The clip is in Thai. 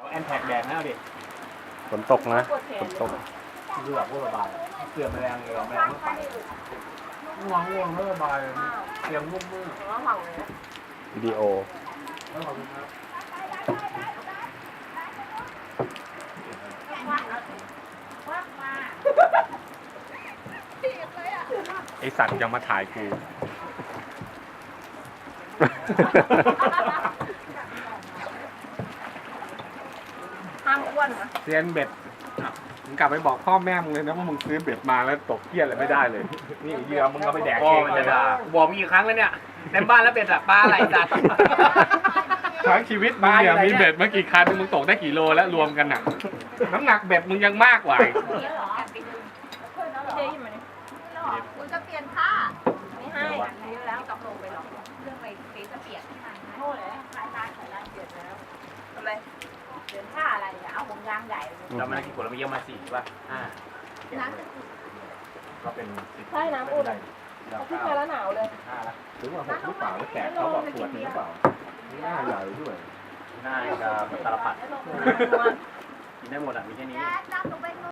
แอนแท็กแดงแล้วดิฝนตกนะฝนตกคือแบบพูดระบายเสือแมลงเลยแมลงไม่ไปง่วงไม่ระบายเสียงมุ่งมืดวิดีโอแล้วขอบคุณครับไอสัตว์ยังมาถ่ายกูห้ามอ้วนนะเซียนเบ็ดมึงกลับไปบอกพ่อแม่มึงเลยนะว่ามึงซื้อเบ็ดมาแล้วตกเกี้ยอะไรไม่ได้เลย นี่เหยื่อมึงก็ไปแดกเองเลยนะบอกกี่ครั้งแล้วเนี่ยในบ้านแล้วเป็นแบบปลาไหลจัดทั้งชีวิตมึงเนี่ยมีเบ็ดมากี่คันมึงตกได้กี่โลแล้วรวมกันน่ะ น้ำหนักเบ็ดมึงยังมากกว่าอีกเดี๋ยวอยู่ไหมเนี่ยคุณจะเปลี่ยนผ้าไม่ให้อายุแล้วตกลงไปหรอกเรื่องไปเปลี่ยนจะเปลี่ยนที่มันโทษเลยคลายร้านเปลี่ยนแล้วทำไมเปลี่ยนผ้าอะไรเนี่ยเอาผมยางใหญ่เลยเรามากี่คนเราไม่เยอะมา4ป่ะน้ 5ก็เป็น10 ำใช่น้ำอุ่นขึ้นมาแล้วหนาวเลย 5ละหรือว่าหกหรือเปล่าแล้วแตกเขาบอกขวดหรือเปล่าหน้าใหญ่ด้วยหน้ากับตาลปัดกินได้หมดอ่ะมีแค่นี้